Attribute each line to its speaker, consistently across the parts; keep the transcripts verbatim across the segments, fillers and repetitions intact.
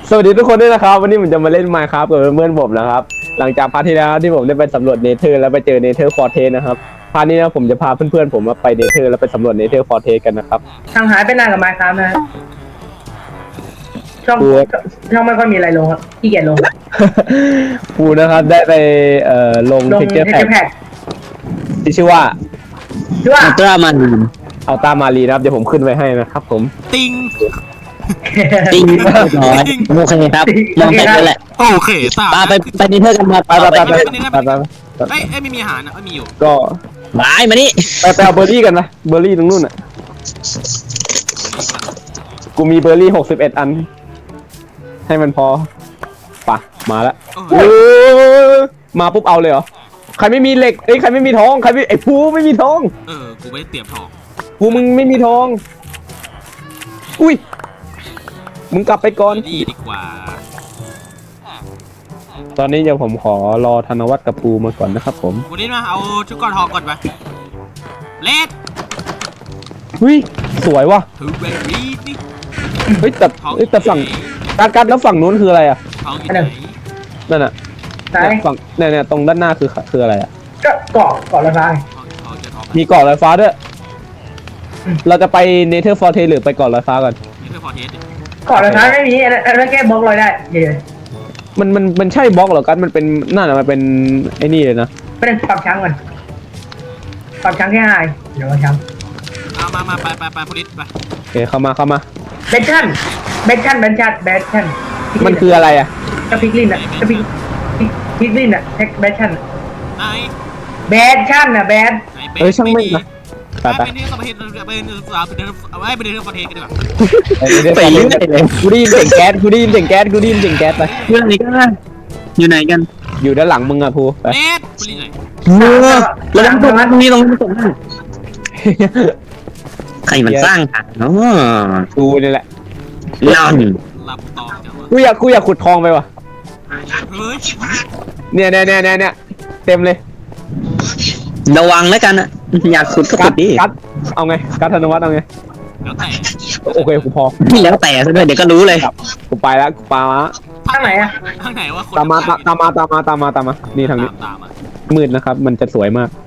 Speaker 1: สวัสดีทุกคนด้วยนะครับวันนี้ผมจะมาเล่น Minecraft กับเพื่อนๆผมนะครับหลังจากพาร์ทที่แล้วที่ผมได้ไปสำรวจเนเธอร์แล้วไปเจอเนเธอร์ฟอร์เทสนะครับพาร์ทนี้นะผมจะพาเพื่อนๆผมมาไปเนเธอร์แล้วไปสำรวจเนเธอร์ฟอร์เทสกันนะครับ
Speaker 2: ทางหายไปนานกับไมค์ครับนะช่องช่องไม่ค่อยมีอะไรลงครับขี้เกียจลง
Speaker 1: กูนะครับได้ไปเอ่อลง
Speaker 2: ลง
Speaker 1: เทคเจอร์
Speaker 2: เท
Speaker 1: แพ็
Speaker 2: คแพ็ก
Speaker 1: ที่ชื่อว่า
Speaker 2: ชื่อว่า
Speaker 3: อัลตร้ามัน
Speaker 1: เอาตามารีนะครับเดี๋ยวผมขึ้นไว้ให้นะครับผม
Speaker 4: ติง
Speaker 3: จริงเรียบร้อยโอเคครับมองไปเลยแหละ
Speaker 4: โอเคตา
Speaker 3: ปาไปไปนิเทอร์กันมา
Speaker 1: ไปไปไปไปไปไป
Speaker 4: เอ้ยเอ้ยไม่มีอาหารนะไม่มีอยู่
Speaker 1: ก็
Speaker 3: บายมานี่
Speaker 1: ไปไปเอาเบอร์รี่กันนะเบอร์รี่ตรงนู้นอ่ะกูมีเบอร์รี่หกสิบเอ็ดอันให้มันพอปะมาแล้ว
Speaker 4: เออ
Speaker 1: มาปุ๊บเอาเลยเหรอใครไม่มีเหล็กเอ้ยใครไม่มีทองใครไม่ไอ้ภูไม่มีทอง
Speaker 4: เออกูไม่ได้เตรียมทอง
Speaker 1: ภูมึงไม่มีทองอุ้ยมึงกลับไปก่อน
Speaker 4: ดีดีกว่า
Speaker 1: ตอนนี้เดี๋ยวผมขอรอธนวัฒน์กับภูมาก่อนนะครับผม
Speaker 4: วันนี้มาเอาชุดก้อนทองก่อนไปเลด
Speaker 1: อุ้ยสวยว่ะ
Speaker 4: ทูเบอรี่นี่
Speaker 1: เฮ้ยแต่เฮ้ยแต่ฝั่งการการแล้วฝั่งนู้นคืออะไรอ่ะ
Speaker 4: ทองอยู่ไหน
Speaker 1: นั่นน่ะ
Speaker 2: ไหน
Speaker 1: เนี่ยฝั่งเนี่ยเนี่ยตรงด้านหน้าคือคืออะไรอ่ะ
Speaker 2: ก็เกาะเกาะละทาง
Speaker 4: ทองจะทอง
Speaker 1: มีเกาะลอยฟ้าด้วยเราจะไปเนเธอร์ฟอร์เทหรือไปเกาะลอยฟ้าก่อน
Speaker 4: นี่คือฟอร์เทส
Speaker 2: เกาะละทางไม่มีอันนั้นแค่บล็อกลอยได้เดี๋ยว
Speaker 1: มันมันมันใช่บล็อกเหรอกันมันเป็นนั่นน่ะมันเป็นไอ้นี่เลยนะ
Speaker 2: ไปเล่นปรับช้างก่อนปรับช้างแค่ไฮเดี๋ยวปรับช้าง
Speaker 4: เอามามาไปไปไปโพลิสไป
Speaker 1: โอเคเข้ามาเข้ามา
Speaker 2: เบชชั่นเบชชั่นเบชชั่นเบชชั่น
Speaker 1: มันคืออะไรอ่ะ
Speaker 2: กระพิกลินอ่ะกระพิกพิกลินอ่ะเทคเบชชั่น
Speaker 4: ไหน
Speaker 2: เบชชั่นอ่ะเบช
Speaker 4: ไหน
Speaker 1: เอ้ยช่างไม่นะไปไป
Speaker 4: ไปนี่ก็ไปเห็นไปเห็นสาวไปเดินเอาไว้ไปเดินฟอร์เทสกันดีกว่า
Speaker 3: ไปเรื่อยเลย
Speaker 1: กูได้ยินเสียงแก๊สกูได้ยินเสียงแก๊สกูได้ยินเสียงแก๊สไป
Speaker 3: เรื่องนี้ก็อยู่ไหนกัน
Speaker 1: อยู่ด้านหลังมึงอะภูไป
Speaker 4: เลดโพลิสไหน
Speaker 3: เออแล้วตรงนั้นตรงนี้ตรงนี้ตรงนั้นใครมันสร้างทางเนาะ
Speaker 1: กูนี่แหละ
Speaker 3: นั่น
Speaker 4: หลับต่อจังวะ
Speaker 1: กูอยากกูอยากขุดทองไปว่ะ
Speaker 4: เฮ้ย
Speaker 1: เนี่ยเนี่ยเนี่ยเนี่ยเนี่ยเต็มเลย
Speaker 3: ระวังแล้วกันอะอยากขุดก็
Speaker 1: กั
Speaker 3: ขุ
Speaker 1: ด
Speaker 3: ดดิ
Speaker 1: กัดเอาไงกัดธนวัฒน์เอาไง
Speaker 4: แล้วแต่
Speaker 1: โอเคกูพอ
Speaker 3: แล้วแต่ซะด้วยเดี๋ยวก็รู้เลย
Speaker 1: กูไปแล้วกูปามา
Speaker 2: ทางไหนอ่ะ
Speaker 4: ทางไหนวะคน
Speaker 1: ตามมาตามมาตามมาตามมาตามมานี่ทางนี้
Speaker 4: ตามมา
Speaker 1: มืดนะครับ มันจะสวยมาก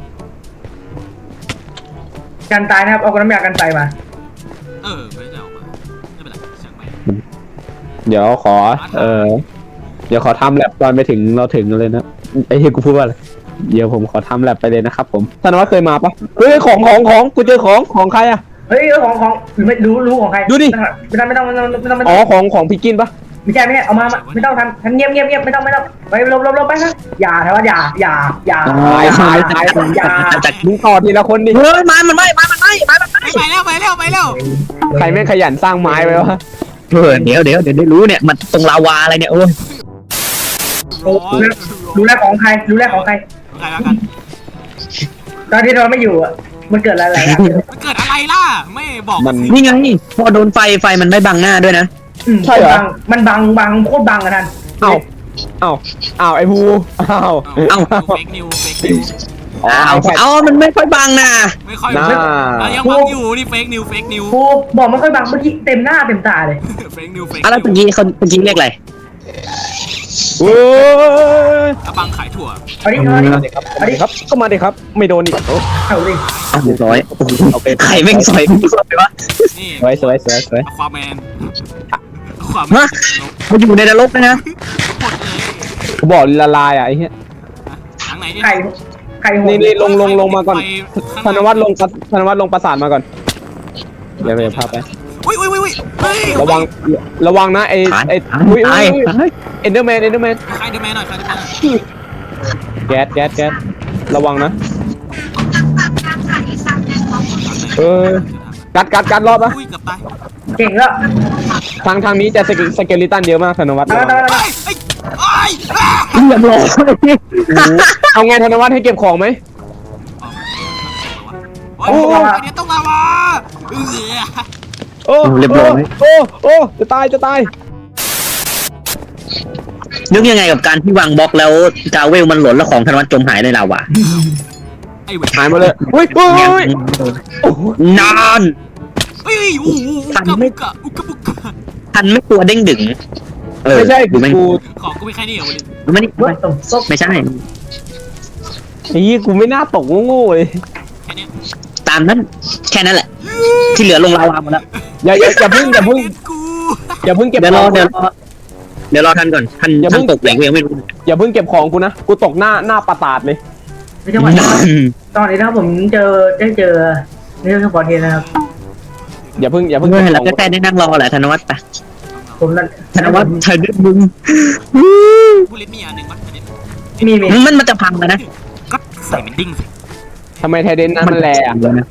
Speaker 2: การตายนะครับเอากระน้ำยากันตายมา
Speaker 4: เออไม่ได้เอามาไม่เป็นไรช่างไป
Speaker 1: เดี๋ยวขอ เออเดี๋ยวขอทำแลบตอนไปถึงเราถึงเลยนะไอ้เหี้ยกูพูดว่าอะไรเดี๋ยวผมขอทำแลบไปเลยนะครับผมธนวัฒน์เคยมาปะเฮ้ยของของของกูเจอของของใครอะ
Speaker 2: เฮ้ยของของไม่รู้รู้ของใคร
Speaker 1: ดูดิ
Speaker 2: ไม่ต้องไม่ต้องไม่ต้องไม่ต้องไม่
Speaker 1: อ๋
Speaker 2: ต้
Speaker 1: อ
Speaker 2: อง
Speaker 1: ของของพี่กินปะ
Speaker 2: ไม่ใช่ไม่ใช่เอามาไม่ต้องทำทำเงียบเงียบเงียบไม่ต้องไม่ต้องไปลบลบลบไปนะอย่าแต่ว่าอย่าอย่าอย่า
Speaker 1: ตายตายตาย
Speaker 2: อย่า
Speaker 3: จาก
Speaker 1: มึงต่อทีละคนดิ
Speaker 3: เฮ้ยไม้มันไหม้ไม้มันไหม้ไม้มันไหม้
Speaker 4: ไปแล้วไปแล้วไปแล้ว
Speaker 1: ใครแม่งขยันสร้างไม้ไว้วะ
Speaker 3: เออเดี๋ยวเดี๋ยวเดี๋ยวได้รู้เนี่ยมันตรงลาวาอะไรเนี่ยโอ้ย
Speaker 4: ร้อน
Speaker 2: รู้แล้วของใครรู้แล้วของใคร
Speaker 4: ใครแล้วกัน
Speaker 2: ตอนที่เราไม่อยู่อ่ะมันเกิดอะไรอ่ะ
Speaker 4: มันเกิดอะไรล่ะไม่บอก
Speaker 1: มัน
Speaker 3: นี่ไงพอโดนไฟไฟมันไม่บังหน้าด้วยนะ
Speaker 2: มันบังบังโคตรบังอะท่าน
Speaker 1: เอ้าเอ้าเอ้าไอ้ภูเอ้า
Speaker 4: เอ้าเฟกนิวเฟกนิว
Speaker 1: อ๋อ
Speaker 3: เอา
Speaker 1: ไอ้
Speaker 3: เอามันไม่ค่อยบังนะ
Speaker 4: ไม่ค่อย
Speaker 1: น่า
Speaker 4: ยังบังอยู่นี่เฟกนิวเฟกนิว
Speaker 2: กูบอกมันค่อยบังเมื่อกี้เต็มหน้าเต็มตาเลย
Speaker 4: เฟกนิวเฟก
Speaker 3: อะไรเมื่อกี้เขาเมื่อกี้เรียกอะไร
Speaker 1: โอ้ย
Speaker 4: บังขายถั่ว
Speaker 2: เอาดิเอาดิ
Speaker 1: มาดิครับมาดิครับก็มาดิครับ ไม่โดนอีกโอ้
Speaker 2: เอาดิ
Speaker 3: เอาเรียบร้อยโอ้โห
Speaker 1: โอเค
Speaker 3: ใครแม่งสอยกูสวยวะ
Speaker 4: นี่
Speaker 1: สวยสวยสวยสวย
Speaker 4: ความแมนความแม
Speaker 3: ฮะ
Speaker 4: น
Speaker 3: มันอยู่ในนรกนะนะ
Speaker 4: หมดเลย
Speaker 1: กูบอกละลายอ่ะไอ้เหี้ย
Speaker 4: ทางไหนดิ
Speaker 2: ไข่ไข่หัว
Speaker 1: นี่นี่ลงลงลงมาก่อนธนวัฒน์ลงธนวัฒน์ลงประสานมาก่อนเดี๋ยวเดี๋ยวพาไป
Speaker 4: อุ้ยอุ้ยอุ้ยเฮ้ย
Speaker 1: ระวังระวังนะไอ้
Speaker 3: ตาย
Speaker 1: ไอ้
Speaker 3: ตาย
Speaker 1: อุ้ย
Speaker 3: ตาย
Speaker 1: เอ็นเดอร์แมนเอ็นเดอร์แมน
Speaker 4: ใครเดอร์แมนหน่อยใครเดอร์แมนหน่อย
Speaker 1: แก๊สแก๊สแก๊สระวังนะเออกัดกัดกัดรอบนะ
Speaker 4: อุ้ยเกือบตาย
Speaker 2: เก่งแล้ว
Speaker 1: ทางทางนี้จะสเกสเกลิตันเยอะมากธนวัฒน์
Speaker 2: เอาเอาเอา
Speaker 4: เฮ้ยเฮ้ย
Speaker 3: เรียบร้อย
Speaker 1: เอาไงธนวัฒน์ให้เก็บของไหม
Speaker 4: โอ้ยเดี๋ยวต้องมาวะเออ
Speaker 1: โอ้โอ้โอ้จะตายจะตาย
Speaker 3: นึกยังไงกับการที่วางบล็อกแล้วกาเวลมันหล่นแล้วของธนวัฒน์จมหายในลาวา
Speaker 4: ไอ้เว้ย
Speaker 1: หายหมดเลยอุ้ยอุ้ย
Speaker 3: นาน
Speaker 4: เฮ้ยอู้อุกะบุกะอุกะบุกะ
Speaker 3: ทันไม่กลัวเด้งดึงเออ
Speaker 1: ไม่ใช่
Speaker 3: กูไม่
Speaker 1: กู
Speaker 4: ของกูมีแค่นี้เหรอบุริน
Speaker 3: ไม่ได้
Speaker 2: ว่าตรงซบ
Speaker 3: ไม่ใช่
Speaker 1: ไอ้ยี่กูไม่น่าตกโง่ๆเลย
Speaker 4: แค่เนี้ย
Speaker 3: ตามนั้นแค่นั้นแหละ ที่เหลือลงลาวาหมดแล้ว
Speaker 1: อย่าอย่าอย่าเพิ่งอย่าเพิ่ง
Speaker 4: กู
Speaker 1: อย่าเพิ่งเก็บ
Speaker 3: เดี๋ยว
Speaker 1: ข
Speaker 3: ร
Speaker 1: อ
Speaker 3: อง เดี๋ยวรอเดี๋ยวรอท่านก่อนท่าน
Speaker 1: อย่าเพิ่
Speaker 3: ท่าง นตกแหล่งกูยังไม่รู้
Speaker 1: อย่าเพิ่งเก็บของกูนะกูตกหน้าหน้าปะตาดเลย
Speaker 2: ในจังหวัดตอนนี้นะครับผมเจอได้เจอในเรื่องของบอลเทนนะครับ
Speaker 1: อย่าเพิ่งอย่าเพิ่ง
Speaker 3: เมื่
Speaker 1: เก็
Speaker 3: อบ
Speaker 1: ของ
Speaker 3: เราก็แค่ได้นั่งรอแหละธนวัฒน์ไป
Speaker 2: ผมนั่น
Speaker 3: ธนวัฒน์เธอดึงมึง
Speaker 4: บุรินมีอันหนึ่งมั้ย
Speaker 2: มีมี
Speaker 3: มันมันจะพังแล้วนะ
Speaker 4: ก็ใส่เป็นดิ้งสิ
Speaker 1: ทำไมไทเดนนั้นมันแรงอะ
Speaker 3: เลยนะ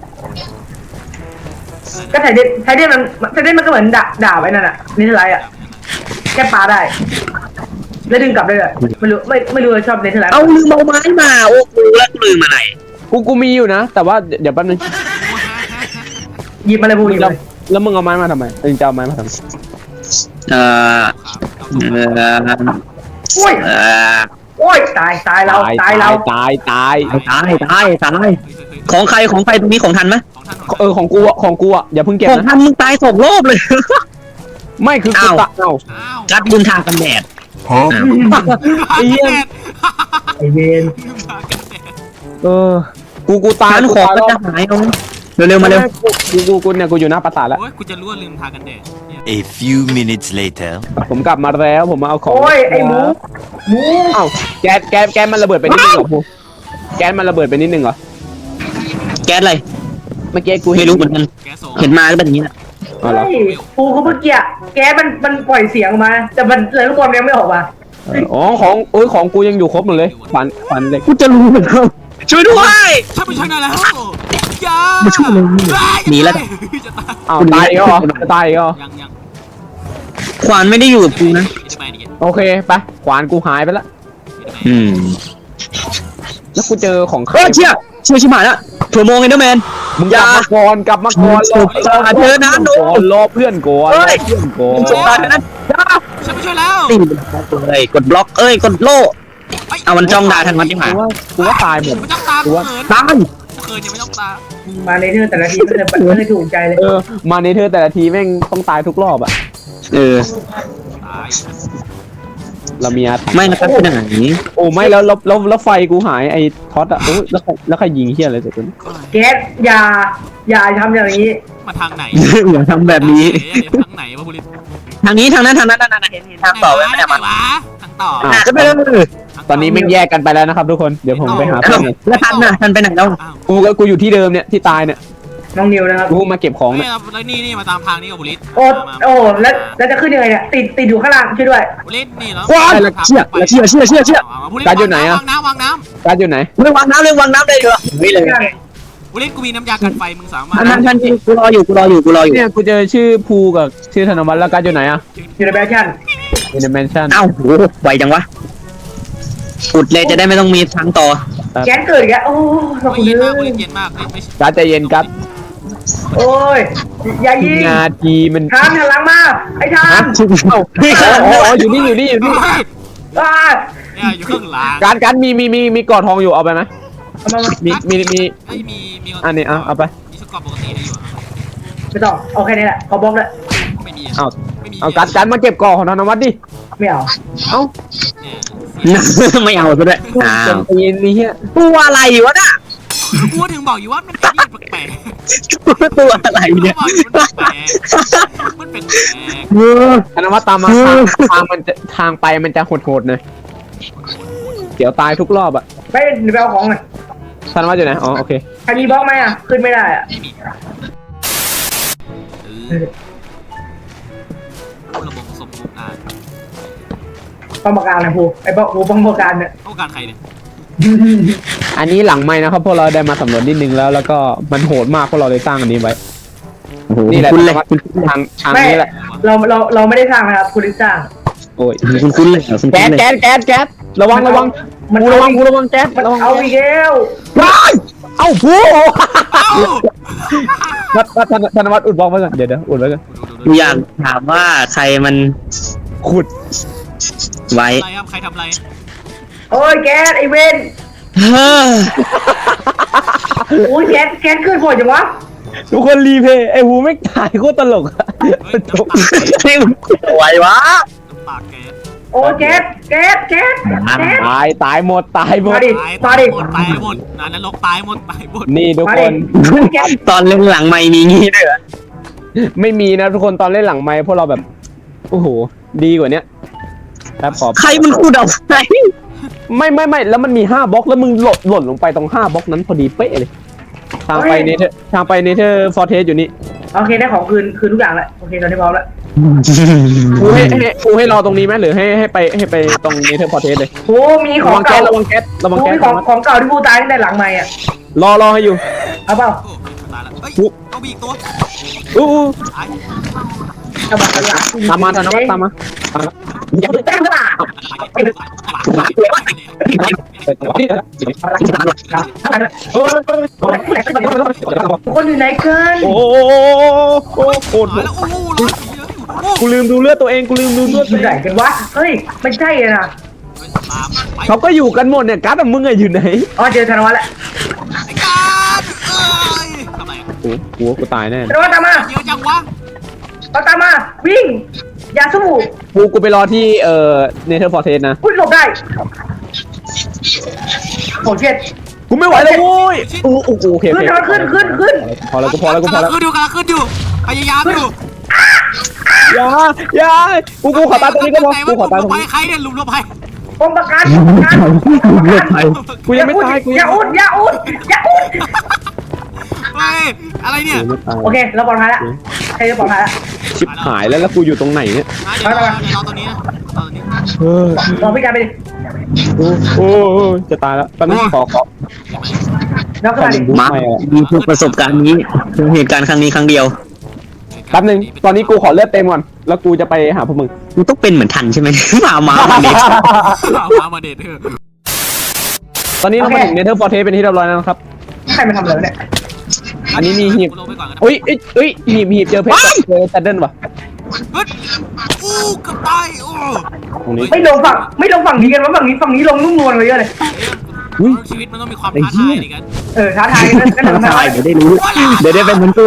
Speaker 2: ก็ไทยเดนไทยเดนมันไทยเดนมันก็เหมือนด่าด่าไว้นั่นอ่ะนี่เท่าไรอ่ะแค่ปลาได้แล้วดึงกลับได้เลยไม่รู้ไม่ไม่รู้ว่าชอบเนเธอร์แลนด์
Speaker 3: เอาลืมเอาไม้มาโอ้กูแล้วกูลืมมาไหน
Speaker 1: กูกูมีอยู่นะ แต่ว่าเดี๋ยวแป๊บนึง
Speaker 2: หยิบมาเลยบูหยิบ
Speaker 1: แล้ว
Speaker 2: เลย
Speaker 1: แล้วมึงเอาไม้มาทำไมเองจะเอาไม้มาทำไม
Speaker 3: เอ่อเอ่อ
Speaker 2: โอ้ย
Speaker 3: เอ่อ
Speaker 2: โอ้ยตายตายเราตายเรา
Speaker 1: ตายตาย
Speaker 3: ตายตายตายของใครของใครตรงนี้ของทันไหม
Speaker 4: ของท่าน
Speaker 1: เออของกูอะของกูอะอย่าเพิ่งเก็บ
Speaker 3: ของ
Speaker 1: นะ
Speaker 3: ทันมึงตายสองรอบเลย
Speaker 1: ไม่คือกู
Speaker 3: อ้าว
Speaker 1: ตะเอ้า
Speaker 4: อ้าว
Speaker 3: กัดลืมทากันแดด
Speaker 1: ไอ้เหี้ย
Speaker 2: ไอเวน
Speaker 1: เออกูกูตาย
Speaker 3: ทัน
Speaker 1: กู
Speaker 3: ของ
Speaker 1: ตาย
Speaker 3: ก็
Speaker 1: แล้ว
Speaker 3: จะหายเอาเร็วๆมาเร็ว
Speaker 1: กูกูกูเนี่ยกูอยู่หน้าปราสาทแล้ว
Speaker 4: โอ้ยกูจะรู้ว่าลืมทากันแดดเนี่ย
Speaker 5: A few minutes later.
Speaker 1: ผมกลับมาแล้วผมมาเอาของ
Speaker 2: โอ้ยไอหมูหมู
Speaker 1: เอ้าแก๊สแก๊สแก๊สมันระเบิดไปนิดนึงเหรอพูแก๊สมันระเบิดไปนิดนึงเหรอ
Speaker 3: แก๊สอะไร
Speaker 1: เมื่อกี้กู
Speaker 3: ไม่รู้เหมือนกัน
Speaker 4: แกโซ
Speaker 3: เห็นมาก็เป็นอย่างนี้แหละ
Speaker 1: อ๋อเหรอ
Speaker 2: เฮ้ยปูเขาเมื่อกี้แกมันมันปล่อยเสียงออกมา แต่มันเลยลูกบอลยังไม่ออกมา
Speaker 1: เอออ๋อของโอ้ยของกูยังอยู่ครบหมดเลยฝันฝันเล็ก
Speaker 3: กูจะรู้เหมือนกันช่วยด้วย
Speaker 4: ช่วยไปช่วยหน่อยแล้วอย่า
Speaker 3: มาช่วยเลยหนีแล้ว
Speaker 4: จะตาย
Speaker 1: อ้าวตายอีก็เหรอจะตายอีก็เหรอ
Speaker 4: ยังยัง
Speaker 3: ขวานไม่ได้อยู่กับกูนะ
Speaker 4: จะไปนี่
Speaker 1: โอเคไปขวานกูหายไปละ
Speaker 3: อืม
Speaker 1: แล้วกูเจอของใคร
Speaker 3: เออเชี่ยเชี่ยชิบหายละถั่วโมงเอนเดอร์แมน
Speaker 1: มึงกลับมาก่อนกลับมาก่อนรอ
Speaker 3: จะหาเธอนะหนู
Speaker 1: ก่อนรอเพื่อนก่อน
Speaker 3: เฮ้
Speaker 1: รอย เพื่อนก่อน
Speaker 3: มึงสงสารนะ
Speaker 4: ช่วยไปช่วยแล้ว
Speaker 3: ตีเลยกดบล็อกเอ้ยกดโล่เอามันจ้องด่าทันวันที่ผ่าน
Speaker 1: กูว่ากูว่าตายหมด
Speaker 4: ไม่ต้องตาเขิน
Speaker 3: ตาย
Speaker 4: เขินยังไม่ต้องตา
Speaker 2: มาในเรื่องแต่ละทีไม่เคยไม่เคยถูกใจเลย
Speaker 1: เออมาในเธอแต่ละทีแม่งต้องตายทุกรอบอะ
Speaker 3: เออ
Speaker 4: ตาย
Speaker 1: เรามีอาถรรพ์
Speaker 3: ไม่นะครับเป็นไหน
Speaker 1: โอ้ไม่แล้วแล้วแล้วแล้วไฟกูหายไอ้ท็อตอะโอ้ยแล้วใครแล้วใครยิงเฮียอะไรเสร็จกู
Speaker 2: แก๊สอย่าอย่าทำอย่างนี้
Speaker 4: มาทางไหน
Speaker 3: อย่าทำแบบนี้
Speaker 4: ทางไหนวะบุริ
Speaker 3: ทางนี้ทางนั้นทางนั้นนั่นเห็นเห็นทางต่อไว้ไม่ได้มา
Speaker 4: วะทางต่อ
Speaker 3: หาก็ไปเลย
Speaker 1: ตอนนี้แม่งแยกกันไปแล้วนะครับทุกคนเดี๋ยวผมไปหา
Speaker 3: แล้
Speaker 1: เพื่อ
Speaker 3: วน
Speaker 1: ก่อน
Speaker 3: แล้วทันน่ะทันไปไหนแล้ว
Speaker 4: อ้าว
Speaker 1: กูก็กูอยู่ที่เดิมเนี่ยที่ตายเนี่ย
Speaker 2: น้องนิวนะครับ
Speaker 1: กูมาเก็บของ
Speaker 4: เนี่
Speaker 1: เนี่ย ย
Speaker 4: แล้วนี่นี่มาตามทางนี้กับบุริ
Speaker 2: โอ้โอ้แล้วแล้วจะขึ้นยังไงเนี่ยติดติดอยู่ข้างล่างช่วยด้วย
Speaker 4: บุรินี่แล้ว
Speaker 3: ว้ายเชี่ยเชี่ยเชี่ยเชี่ยเชี่ยว
Speaker 4: างน้ำวางน้
Speaker 1: การดอยู่ไหน
Speaker 3: ไม่วางน้ำเลยวางน้ำเลยเหรอไม่เลย
Speaker 4: ำบุริกูมีน้ำยากันไฟมึงสามารถ
Speaker 3: ทันทันทันกูรออยู่กูรออยู่กูรออยู่
Speaker 1: เนี่ยกูเจอชื่อภูกับชื่อธนวัฒน์แล้วการดอยู่ไหนอะ
Speaker 2: อยู่ในแบชั่น
Speaker 1: อยู่ในแมนชั่น
Speaker 3: เอ้าโหไวจังวะอุดเลยจะได้ไม่ต้องมีทางต่อ
Speaker 2: แก๊สเกิดอีกแล้วโอ้ขอบคุณ
Speaker 4: เย็น
Speaker 2: เล
Speaker 4: มากบุ
Speaker 2: ย
Speaker 4: ริเย็นมากไม่
Speaker 1: การดใจเย็นกัด
Speaker 2: โอ้ยอย่ายิง
Speaker 1: นาทีมัน
Speaker 2: ทามหันหลังมาไอ้ทาม
Speaker 1: เอ้าอ๋ออ๋ออยู่นี่อยู่นี่อยู่นี่
Speaker 2: อ่า
Speaker 4: เนี่ยอยู่ข้างหลัง
Speaker 1: การการดมีมีมีมีกอดทองอยู่เอาไปไหม
Speaker 2: เอามามา
Speaker 1: มีมีมี
Speaker 4: ไอ้มีมี
Speaker 1: อันนี้เอาเอาไป
Speaker 4: มีสกอร์ปกติได้อยู่
Speaker 2: ไม่ต้องเอาแค่นี้แหละขอบล็อกเลย
Speaker 4: ไม่มี
Speaker 1: เอา
Speaker 4: ไม่มี
Speaker 1: เอาการดการดมาเก็บกอของธนวัฒน์ดิ
Speaker 2: ไม่เอา
Speaker 1: เอ้า
Speaker 4: เนี่ย
Speaker 3: ไม่เอาซะด้วยอ้า
Speaker 1: เต็
Speaker 3: ว
Speaker 1: มตีนนี่เฮีย
Speaker 3: ตัวอะไรวะน่ะ
Speaker 4: กูถึงบอกอยู่ว่ามันเป็นที่แปลก
Speaker 3: ตัวอะไร
Speaker 4: ๆ
Speaker 3: เนี่ย
Speaker 4: มันแปลกมันเป็นแปลก
Speaker 3: เออ
Speaker 1: ธนวัฒน์ตามมาทางทางมันจะทางไปมันจะโหดๆหน่อยเดี๋ยวตายทุกรอบอะ
Speaker 2: ไปเดี๋ยวไปเอาของหน่อย
Speaker 1: ธนวัฒน์อยู่ไหนอ๋อโอเค
Speaker 2: ใครมีบล็อกไหมอ่ะขึ้นไม่ได้อ่ะ
Speaker 4: ไม่มีเออผู้ระบบสมบูรณ์อ่ะ
Speaker 2: ป้องประการนะภูไอ้บล็อกภูป้องประการเนี่ย
Speaker 4: ต้องการใครเนี่ย
Speaker 1: อันนี้หลังไม้นะครับพวกเราได้มาสำรวจนิดนึงแล้วแล้วก็มันโหดมากพวกเราเลยสร้างอันนี้ไว้ นี่แหละ
Speaker 3: คุณเลย
Speaker 1: ทางทางนี้แหละ
Speaker 2: เราเราเราไม่ได้สร้างนะครับคุณลิสร้าง
Speaker 1: โอ้ย
Speaker 3: คุณคุณเลยคุณ
Speaker 1: แก๊ส
Speaker 3: เลย
Speaker 1: แก๊สแก๊สแก๊สระวังระวัง
Speaker 2: มัน
Speaker 1: กู
Speaker 2: เอา
Speaker 1: ระวัง
Speaker 2: อีก
Speaker 1: กูระวังแก๊ส
Speaker 2: มัน
Speaker 1: ระวัง
Speaker 2: เอาอีกแล้ว
Speaker 1: ว้ายเอ้าผู้
Speaker 4: เอ้า
Speaker 1: วัดวัดธนธนวัฒน์อุดบล็อกไว้ก่อนเดี๋ยวเดี๋ยวอุดไว้ก่อน
Speaker 3: กูอยากถามว่าใครมัน
Speaker 1: ขุด
Speaker 3: ไว้
Speaker 4: อะไรครับใครทำอะไร
Speaker 2: โอ้ยแก๊สไอเวน
Speaker 3: เฮ้อ
Speaker 2: โอ้ยแก๊สแก๊สขึ้นบ่อยจังวะ
Speaker 1: ทุกคนรีเพย์ไอ้หูไม่ตายโคตรตลกอะ
Speaker 4: เฮ้ยน้ำตา
Speaker 3: นี่มันไหววะ
Speaker 4: น้ำตากแก๊ส
Speaker 2: โอ้แก๊สแก๊สแก๊สแก๊ส
Speaker 1: ตายตายหมดตายหมด
Speaker 2: มาดิ
Speaker 4: ตาย
Speaker 2: มาดิ
Speaker 4: หมดตายหมดนานนรกตายหมดตายหมด
Speaker 1: นี่ทุก
Speaker 2: มา
Speaker 1: ค
Speaker 2: ดิ
Speaker 1: น
Speaker 2: แก๊ส
Speaker 3: ตอนเล่นหลังไม่มีงี้ด้วยเหรอ
Speaker 1: ไม่มีนะทุกคนตอนเล่นหลังไมค์พวกเราแบบโอ้โหดีกว่าเนี้ยครับขอ
Speaker 3: ใครมันคูดเอาไหน
Speaker 1: ไม่ไม่ไม่แล้วมันมีห้าบล็อกแล้วมึงหล่นหล่นลงไปตรงห้าบล็อกนั้นพอดีเป๊ะเลยทางไปเนเธอร์ทางไปเนเธอร์ฟอร์เทสอยู่นี่
Speaker 2: โอเคได้ของคืนคืนทุกอย่างแล้วโอเคตอนนี้พร้อมแล้ว
Speaker 1: กูให้ให้กูให้รอตรงนี้ไหมหรือให้ให้ไปให้ไปตรงเนเธอร์ฟอร์เทสเลย
Speaker 2: โอ้มีข
Speaker 1: ระ
Speaker 2: อง
Speaker 1: วังแก๊
Speaker 2: เก่า
Speaker 1: สระวังแก๊สระวัง
Speaker 2: โอ้
Speaker 1: แก๊ส
Speaker 2: มีของของเก่าที่กูตายตั้งแต่หลังใหม่อ่ะ
Speaker 1: รอรอให้อยู่
Speaker 2: เอาเปล่า
Speaker 4: โอ้ตายแล้วเฮ้ย
Speaker 1: อุ๊
Speaker 4: ต้องมีอีกตัว
Speaker 1: อู้อู้
Speaker 4: ตาย
Speaker 2: เอาเปล่า
Speaker 1: ตามมาธนวัฒน์ตามมาตามมา
Speaker 2: อย่าไปแจ้งว่า คนอยู่ไหนเกิน
Speaker 1: โอ้โหโอ้โห
Speaker 4: ตายแล้วโอ้โหร้อยสีเลยโอ้โห
Speaker 1: กูลืมดูเลือดตัวเองกูลืมดูเลือด
Speaker 2: อยู่ไหนกันวะเฮ้ยไม่ใช่อะนะ
Speaker 4: ตามไป
Speaker 1: เขาก็อยู่กันหมดเนี่ยการ์ดมึงอะอยู่ไหน
Speaker 2: อ๋อเจอธนวัฒน์แล้ว
Speaker 4: ไอ้การเอ้ยทำไม
Speaker 1: โอ้โหกูตายแน่
Speaker 2: ธนวัฒน์ตามมา
Speaker 4: เยอะจังวะ
Speaker 2: เอาตามมาวิ่งอย่าสู้
Speaker 1: กูกูไปรอที่เอ่อเนเธอร์ฟอร์เทสนะ
Speaker 2: พุ่งหลบได้โหเจ็ด
Speaker 1: กูไม่ไหวแล้วโว้ยโอ้โหโอเค
Speaker 2: ขึ้นธนวัฒน์ขึ้นขึ้นขึ้น
Speaker 1: พอแล้วกูพอแล้วกูพอแล้ว
Speaker 4: กำลังขึ้นอยู่กำลังขึ้นอยู่พยายามอยู่
Speaker 1: อย่าอย่ากูกูขอตายตรงนี้ก็พอกูขอตายตรง
Speaker 4: ไป
Speaker 1: นี้
Speaker 4: ใครเนี่ยหลุมลงไป
Speaker 2: กองประกันกองประกัน
Speaker 1: กูยังไม่ตายกู
Speaker 2: อย่าอุดอย่าอุดอย่าอุด
Speaker 4: เฮ้ยอะไรเนี่ย
Speaker 1: กูไม่ตาย
Speaker 2: โอเคเราปลอดภัยแล้วใครจะปลอดภัยแล้ว
Speaker 1: ชิบหายแล้วแล้วกูอยู่ตรงไหนเนี่ย
Speaker 4: เดี๋ยวรอเดี๋ยวรอตรงนี้นะรอตรงนี้
Speaker 1: เออ
Speaker 2: ลองพี่การไปดิ
Speaker 1: โอ้โหจะตายแล้วแป๊บนึงขอขอ
Speaker 2: แล้วก็
Speaker 1: ขอ
Speaker 2: มาดิ
Speaker 1: บุ๊ก
Speaker 3: มา
Speaker 1: ไม่อะ
Speaker 3: มีประสบการณ์นี้เป็นเหตุการณ์ครั้งนี้ครั้งเดียว
Speaker 1: แป๊บนึงตอนนี้กูขอเลือดเต็มก่อนแล้วกูจะไปหาพวกมึง
Speaker 3: กูต้องเป็นเหมือนทันใช่ไหม มามาวันนี้
Speaker 4: มามาเด็ดเถอะ
Speaker 1: ตอนนี้เรามาถึงเนเธอร์ฟอร์เทสเป็นที่เรียบร้อยแล้วนะครับ
Speaker 2: ใครมาทำเลยเนี่ย
Speaker 1: อันนี้มีหีบ
Speaker 4: ลงไปก่อนกันนะ
Speaker 1: อุ้ยเอ้ยเอ้ยหีบหีบเจอเพชรเจอแซดเดิลป่ะ
Speaker 4: เฮ้ยอู้กับตายโอ้
Speaker 1: ตรงนี้
Speaker 2: ไม่ลงฝั่งไม่ลงฝั่งนี้กันวะฝั่งนี้ฝั่งนี้ลงนุ่มนวลไปเยอะเลย
Speaker 1: อุ๊ย
Speaker 4: ชีวิตมันต้องมีความท้าทายดิกัน
Speaker 2: เออท้าทายกันก็ทำได้
Speaker 3: ตายเดี๋ยวได้รู้ เดี๋ยวได้เป็นเหมือนกู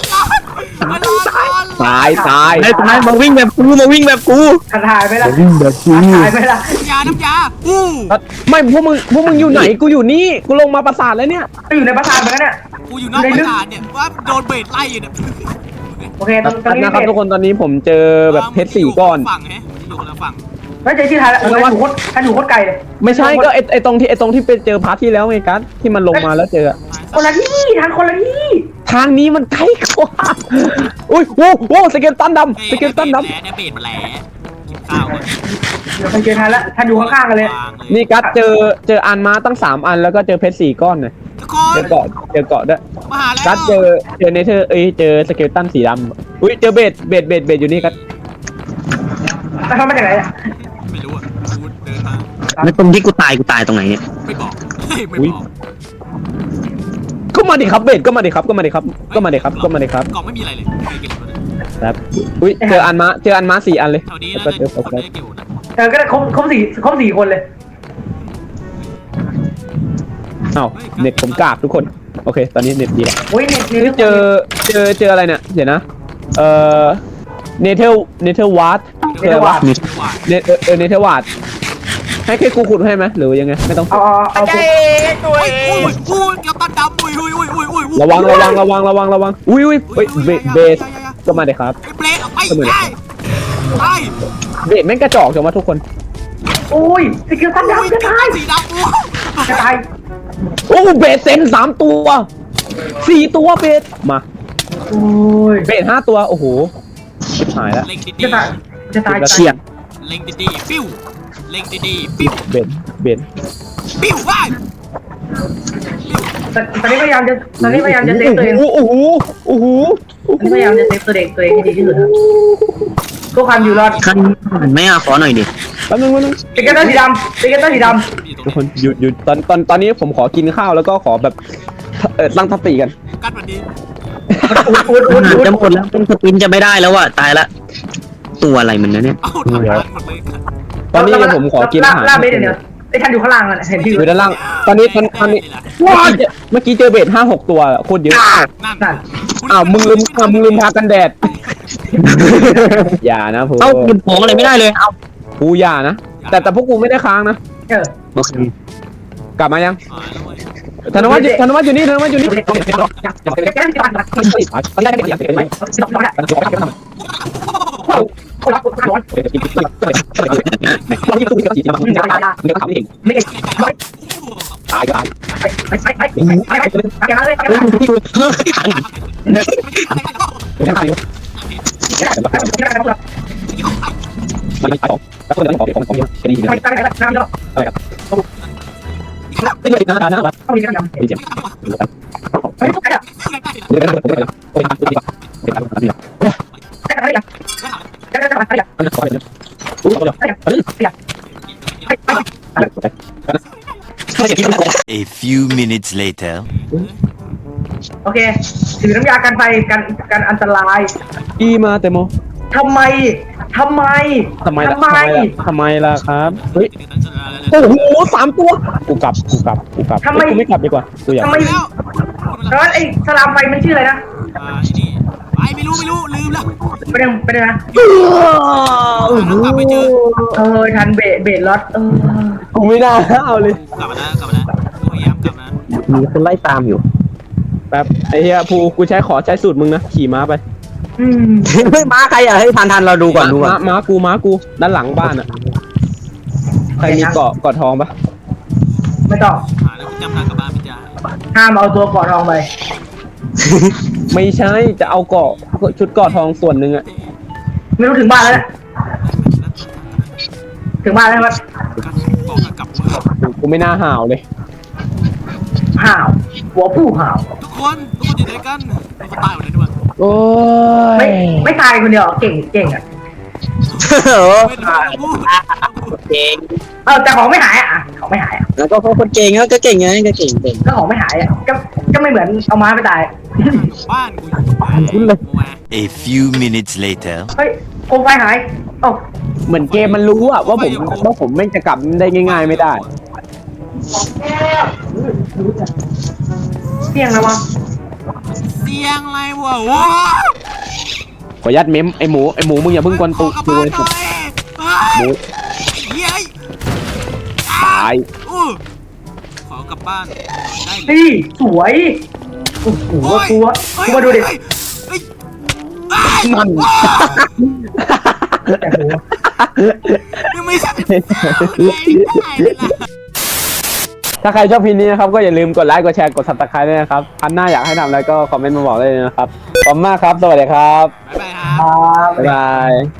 Speaker 1: ตายตาย
Speaker 3: ไอ้ตายมาวิ่งแบบกูมาวิ่งแบบกู
Speaker 2: ท้าทายไหมล่ะ
Speaker 3: วิ่งแบบกู
Speaker 2: ท้าทายไหมล่ะ
Speaker 4: ยาน้ำยาอู้
Speaker 1: ไม่พวกมึงพวกมึงอยู่ไหนกูอยู่นี่กูลงมาปราสาทแล้วเนี่ย
Speaker 2: ไปอยู่ในปราสาทเหมือนกันเนี่ย
Speaker 4: กูอยู่นอกประสาทเนี่ยว่าโดนเบรดไล่อยู่เนี่ย
Speaker 2: โอเคตอนตอนนี้
Speaker 1: นะครับ
Speaker 2: เสร็จ
Speaker 1: ทุกคนตอนนี้ผมเจอแบบเพชรสี่ก้อน
Speaker 4: ฝั่งฮะอยู่คนละฝั่ง
Speaker 2: แล้วเจอที่ไทยแล้วท่านอยู่โคตรท่านอยู่โคตรไกลเลย
Speaker 1: ไม่ใช่ก็ไอไอตรงที่ไอตรงที่ไปเจอพาร์ทที่แล้วไงกัสที่มันลงมาแล้วเจอ
Speaker 2: คนละที่ทางคนละที่
Speaker 1: ทางนี้มันใกล้กว่าอุ้ยโว้โว้สเกลตันดำสเกลตันด
Speaker 4: แหลเนี่ยเบรดมาแหลกินข้าวก่อน
Speaker 2: เดี๋ยวไปเจอท่านแล้วท่านอยู่ข้างๆกันเลย
Speaker 1: ำนี่กัสเจอเจออันมาตั้งสามอันแล้วก็เจอเพชรสี่ก้อนเนี่ย
Speaker 4: ทุกค
Speaker 1: เจ
Speaker 4: น
Speaker 1: อเกาะเจอเกาะด้วย
Speaker 4: มาหาแล้ว
Speaker 1: กัสเจอเจอเนเธอร์เอ้ยเจอสเกลตันสีดำอุ้ยเจอเบดเบดเบดเบดอยู่นี่กัส
Speaker 2: แล้วเขามาจากไหนเนี่ย
Speaker 4: ไม่รู้อ่ะกูเดินมา
Speaker 3: แล้วตรงที่กูตายกูตายตรงไหนเนี่ย
Speaker 4: ไม่บอกไม่บอก
Speaker 1: ก็มาดิครับเบดก็มาดิครับก็มาดิครับก็มาดิครับก็มาดิครับ
Speaker 4: กล่องไม่มีอะไรเลยไม่เก็บเลย
Speaker 1: ครับอุ้ยเจออันมาเจออันมาสี่อันเลย
Speaker 4: แถวนี้
Speaker 1: แล้ว
Speaker 4: นะ
Speaker 1: ก็เจอโฟ
Speaker 4: คน
Speaker 1: กัส
Speaker 4: ได้เกี่ยวนะ
Speaker 2: เออก็ครบครบสี่ครบสี่คนเลย
Speaker 1: อ้าวเน็ตผมกากทุกคนโอเค ตอนนี้เน็ตดีแล้ว
Speaker 2: โอ้ยเนี่ยเนี่ย
Speaker 1: เจอเจอเจออะไรเนี่ยเดี๋ยวนะเอ่อเนเธอร์เนเธอร์วาร์ดเจอว่า
Speaker 3: มี
Speaker 1: เนเออเออเนเธอร์วาร์ดให้แค่กูขุดให้ไหมหรือยังไงไม่ต้อง
Speaker 2: เอาเอาเอาเอา
Speaker 4: อุ้ยอุ้ยอุ้ยเกี่ยวตันดำอุ้ยอุ้ยอุ้ยอุ้ยอุ้ย
Speaker 1: ระวังระวังระวังระวังระวังอุ้ยอุ้ยเฮ้ยเบสเบสก็มาเลยครับ
Speaker 4: ไอ้เบรดออกไปได้ไป
Speaker 1: เบสแม่งกระจอกจังวะทุกคน
Speaker 2: โอ้ยสกิลตันดำจะตาย
Speaker 4: สีดำโอ้
Speaker 2: จะตาย
Speaker 1: โอ้เบสเซนสามตัวสี่ตัวเบสมา
Speaker 2: โอ้ย
Speaker 1: เบสห้าตัวโอ้โหชิบหายแล้ว
Speaker 4: เล็งดี
Speaker 2: จะตายจะตาย
Speaker 3: เชี่ย
Speaker 4: ๆเล็งดีๆปิ้วเล็งดีๆปิ้ว
Speaker 1: เบสเบส
Speaker 4: ปิ้วว้าย
Speaker 2: ตอนนี้พยายามจะตอนนี้พยายามจะเซฟตัวเอง
Speaker 1: โอ้โหโอ้โห
Speaker 2: ตอนนี้พยายามจะเซฟตัวเองตัวเองให้ดีที่สุดครับเพื่อความอยู่รอด
Speaker 3: ขั้นไม่เอาขอหน่อยดิ
Speaker 1: แป๊บนึงแป๊บนึง
Speaker 2: สเก็ตเตอร์สีดำสเก็ตเตอร์สีด
Speaker 1: ทุกคนหยุดหยุดตอนตอนตอนนี้ผมขอกินข้าวแล้วก็ขอแบบเออตั้งสติกัน
Speaker 4: กัดวันนี้
Speaker 2: ำอุดอุดอุด
Speaker 3: อาหาร
Speaker 2: อุด
Speaker 3: จะหมดแล้วเป็นสปินจะไม่ได้แล้วอะตายละ ตัวอะไรมันนะเนี่ย
Speaker 4: เอ้าทำงานหมดเลย
Speaker 1: ตอนนี้เดี๋ยวผมขอกินอาหาร
Speaker 2: ลาเบสเดี๋ยวไอ้ท่านอยู่ข้างล่างอ่ะเห็นที่
Speaker 1: อยู่ด้านล่างตอนนี้ตอนตอนนี้เมื่อกี้เจอเมื่อกี้เจอเบสห้าหกตัวโคตรเยอะ
Speaker 4: นั่น
Speaker 2: นั่น
Speaker 1: อ้าวมึงลืมอ้าวมึงลืมทากันแดด อย่านะผม
Speaker 3: เอ้าหยิบของอะไรไม่ได้เลย เอ้า
Speaker 1: กูอย่านะแต่แต่พวกกูไม่ได้ค้างนะ
Speaker 2: เออก
Speaker 1: ลับมายัง
Speaker 4: อ่าแล้วเว้ย
Speaker 1: ธนวัฒน์อยู่ธนวัฒน์อยู่นี่ธนวัฒน์อยู่นี่
Speaker 2: แก้ที่บ้านนะคนรักคนร้อนไม่ได้
Speaker 1: ตายก็ตาย
Speaker 2: ไปไปไปไปไปไปแกเลยแกเลย
Speaker 1: ไม่ตายมันตายสองแล้วคนเดียวของของของแค่นี้
Speaker 2: ไปไปไปน้ำเยอะ
Speaker 1: อะไรครับไม่เลยนะนะนะ
Speaker 2: ต้องมีน้ำยำ
Speaker 1: ไม่เจ็บ
Speaker 2: ไม่ต้องไปอ่ะ
Speaker 1: เดี๋ยวนะเดี๋ยวนะโอ้ยเดี๋ยวเดี๋ยวเดี๋ยว
Speaker 2: แค่อะไรอ่ะแค่อะไรอ่ะ
Speaker 1: อันนี้ขอเดี๋ยวอู้เดี๋ยว
Speaker 2: ไปไป
Speaker 5: A few minutes later.
Speaker 2: โอเคถือน้ำยากันไฟกันกันอันตราย
Speaker 1: อีมาเตโม
Speaker 2: ทำไมทำไม
Speaker 1: ทำไมล่ะ
Speaker 2: ทำไม
Speaker 1: ทำไมล่ะครับเฮ้ย
Speaker 4: โอ้
Speaker 1: โอ้โหสามตัวกูกลับกูกลับกูกลับกูไม่กลับดีกว่ากูอยาก
Speaker 2: ทำไม
Speaker 4: แล้ว
Speaker 2: แล้วไอ้สลามไฟมันชื่ออะไรนะ
Speaker 4: อ่านี่ไปไม่รู้ไม่รู้ลืมแล้ว
Speaker 2: ไปเดินไปเดินนะ
Speaker 4: กลับไปเจอ
Speaker 2: เออทันเบะเบะรถเออ
Speaker 1: กูไม่น่าเอาเลย
Speaker 4: กลับมาแล้วกลับมาแล้วพยายามกลับนะ
Speaker 1: มีคนไล่ตามอยู่แป๊บไอ้เหี้ยภูกูใช้ขอใช้สูตรมึงนะขี่ม้าไป
Speaker 2: อืม
Speaker 3: เฮ้ยม้าใครอ่ะเฮ้ยทันทันเราดูก่อนดูก่อน
Speaker 1: ม้าม้ากูม้ากูด้านหลังบ้านอ่ะใครมีเกาะเกาะทองปะ
Speaker 2: ไม่ต้อง
Speaker 4: หาแล้วกูจำทางกลับบ้านไม่ได้
Speaker 2: ห้ามเอาตัวก่อนทองไป
Speaker 1: ไม่ใช่จะเอาเกาะชุดเกาะทองส่วนหนึ่งอ่ะ
Speaker 2: ไม่รู้ถึงบ้านแล้วนะถึงบ้านแล้วมั้ย
Speaker 4: บอกกลับมา
Speaker 1: กูไม่น่าห่าวเลย
Speaker 2: ห่าวหัวผู้ห่าว
Speaker 4: ทุกคนทุกคนอยู่ไหนกันเขาตายหมดเลยด้วย
Speaker 1: โอ้
Speaker 2: ไม่
Speaker 1: ย
Speaker 2: ไม่ตายคนเดียวเก่งเก่งอ่ะ
Speaker 3: โอ้
Speaker 4: ไม่ได้พูด
Speaker 3: เก่ง
Speaker 2: เออแต่ของไม่หายอ่ะของไม่หายอ่ะ
Speaker 3: แล้วก็คนเก่งก็เก่งไงก็เก่งเก่ง
Speaker 2: ก็ของไม่หายอ่ะก็ก็ไม่เหมือนเอาม้าไปตาย
Speaker 4: บ้านกูอยู่ไหน
Speaker 5: A few minutes later.
Speaker 2: เฮ้ยโคมไฟหายโอ้
Speaker 1: เหมือนเกมมันรู้อะว่าผมว่าผมไม่จะกลับได้ง่ายๆไม่ได้
Speaker 2: เที่ยงแล้ววะ
Speaker 4: เสียงอะไรวะว้า
Speaker 1: ขอยัดเม้มไอหมูไอหมูมึงอย่าเพิ่งกวนตู
Speaker 4: กลับ
Speaker 1: ตู
Speaker 4: บ้าน
Speaker 1: เลย
Speaker 4: หน่อย
Speaker 1: หมู
Speaker 4: เย้ย
Speaker 1: ตาย
Speaker 4: อู้ขอกลับบ้านได้เลย
Speaker 2: เฮ้ยสวยโอ้โหกูว่ากูมาดูดิ
Speaker 1: มัน
Speaker 2: แต่โห
Speaker 4: ยังไม่ใช่
Speaker 1: ถ้าใครชอบพีนี้นะครับก็อย่าลืมกดไลค์กดแชร์กดซับสไครต์ด้วยนะครับพันหน้าอยากให้ทำอะไรก็คอมเมนต์มาบอกได้เลยนะครับขอบคุณมากครับสวัสดีครับ
Speaker 4: บ๊ายบายครับ
Speaker 2: ครับ
Speaker 1: บ๊ายบาย